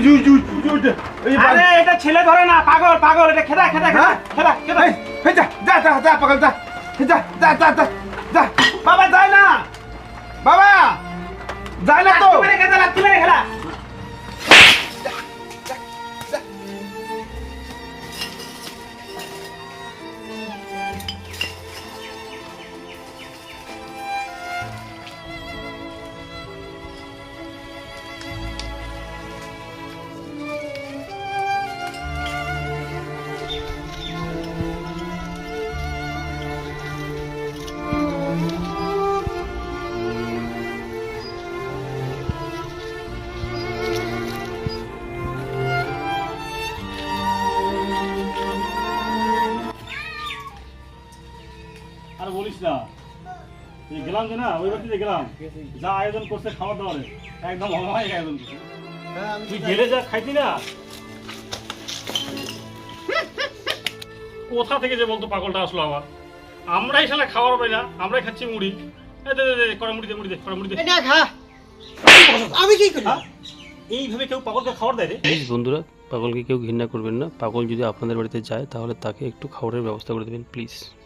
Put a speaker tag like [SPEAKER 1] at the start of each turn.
[SPEAKER 1] আরে এটা ছেলে ধরে না, পাগল পাগল, এটা খেদা খেদা খেদা খেদা খেদা।
[SPEAKER 2] এই যা যা যা যা পাগল যা যা যা যা যা যা বাবা যায় না, বাবা যায় না তো।
[SPEAKER 1] লাথি মেরে খেদা, লাথি মেরে খেলা।
[SPEAKER 3] আর বলিস না, এই গেলাম যে না, ওই বাড়িতে গেলাম, যা আয়োজন করছে খাবার দাবারের একদম অমায়িক আয়োজন করছে। তুই গেলে যা খাইতি না, কোথা থেকে যে বলতো পাগলটা আসলো আবার। আমরাই শালা খাবার পাই না, আমরাই খাচ্ছি মুড়ি। এই দে দে দে, কড়া মুড়ি দে, মুড়ি দে, কড়া মুড়ি দে।
[SPEAKER 1] এটা খা, আমি কি করি?
[SPEAKER 3] এইভাবে কেউ পাগলকে খাবার দেয় রে?
[SPEAKER 4] প্লিজ বন্ধুরা, পাগলকে কেউ ঘৃণা করবেন না। পাগল যদি আপনাদের বাড়িতে যায় তাহলে তাকে একটু খাবারের ব্যবস্থা করে দেবেন প্লিজ।